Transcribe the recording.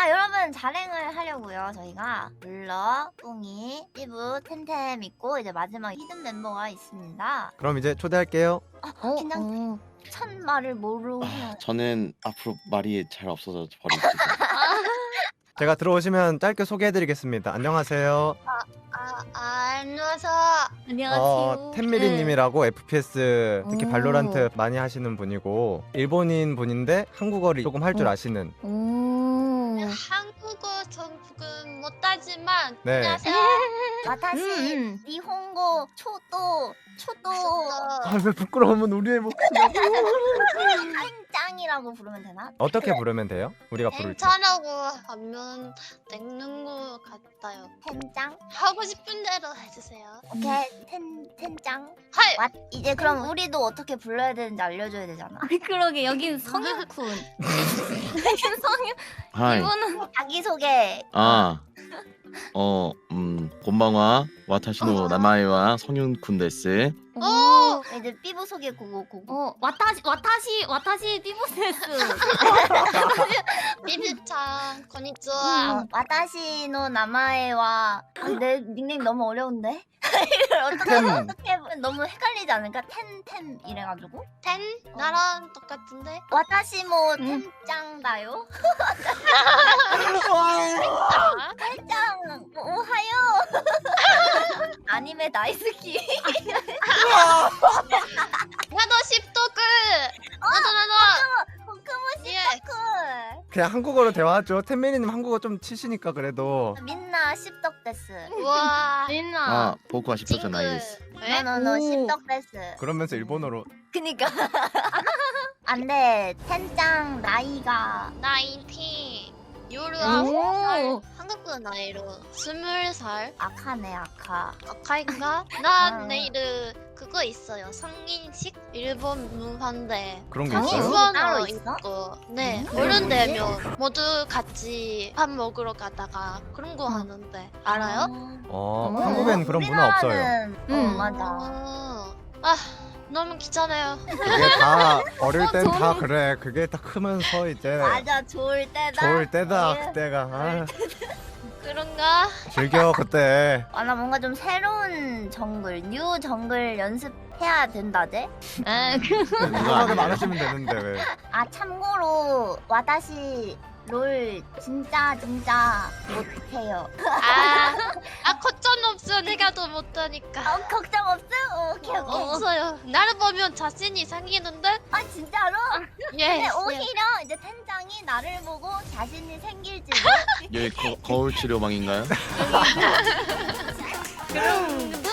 여러분 자랭을 하려고요. 저희가 물러, 뿡이, 삐부, 텐템 있고 이제 마지막 히든 멤버가 있습니다. 그럼 이제 초대할게요. 긴장. 첫 말을 뭐로 해야 저는 앞으로 말이 잘 없어서 버릴게요. 제가 들어오시면 짧게 소개해드리겠습니다. 안녕하세요. 안녕하세요. 안녕하세요. 텐미리님이라고 FPS 특히 오. 발로란트 많이 하시는 분이고 일본인 분인데 한국어를 조금 할 줄 아시는. 한국어 조금 못하지만 네. 안녕하세요. 와타시 니혼고 초도 아, 왜 부끄러우면 우리의 목소리라고. 짱이라고 부르면 되나? 어떻게 부르면 돼요? 우리가 부를 때. 괜찮다고 하면 되는 것 같아요. 텐짱? 하고 싶은 대로 해주세요. 오케이 텐짱. 하이. 이제 그럼 우리도 어떻게 불러야 되는지 알려줘야 되잖아. 그러게 여긴 성윤쿤. 성윤. 하이. 이분은 자기소개. 곤방와 와타시노 나마이와 성윤쿤 데스. 이제 삐부 소개 고고. 와타시 삐보세스. 비비짱 konnichiwa. 와타시노 나마에와 내 닉네임 너무 어려운데? 이걸 어떻게 너무 헷갈리지 않을까? 텐템 이래가지고 텐 나랑 똑같은데. 와타시모 텐짱다요? 텐짱 오하요. 아니메 다이스키. 나도 십도크. 나도. 코크모시 예. 토크. 그냥 한국어로 대화하죠. 텐미리님 한국어 좀 치시니까 그래도. 민나 십덕데스. 와. 민나. 보쿠와 십도죠 나이스. 너너너 오. 십덕데스. 그러면서 일본어로. 그니까. 안돼 텐짱 나이가 나 인티. 요르 오. 9살. 한국어 나이로 20살. 악하네 악하. 아카인가? 난 내일 그거 있어요. 성인식 일본 문화인데 그런 게 성인식? 있어요? 따로 일본어 있어? 있고 네 음. 어른 되면 모두 같이 밥 먹으러 가다가 그런 거 하는데 알아요? 한국엔 그런 문화 없어요. 우리나라는, 맞아. 아 너무 귀찮아요. 그게 다 어릴 땐 다 그래. 그게 다 크면서 이제 맞아 좋을 때다. 좋을 때다 예. 그때가. 아, 그런가? 즐겨 그때. 나 뭔가 좀 새로운 정글, 뉴 정글 연습해야 된다제? 생각이 많으시면 되는데 왜? 참고로 와다시 롤 진짜 못해요. 걱정 없어. 내가 더 못하니까. 걱정 없음? 오케이. 없어요. 나를 보면 자신이 생기는데? 진짜로? 예. 근데 오히려 이제 텐장이 나를 보고 자신이 생길지도. 여기 거울 치료방인가요? 그럼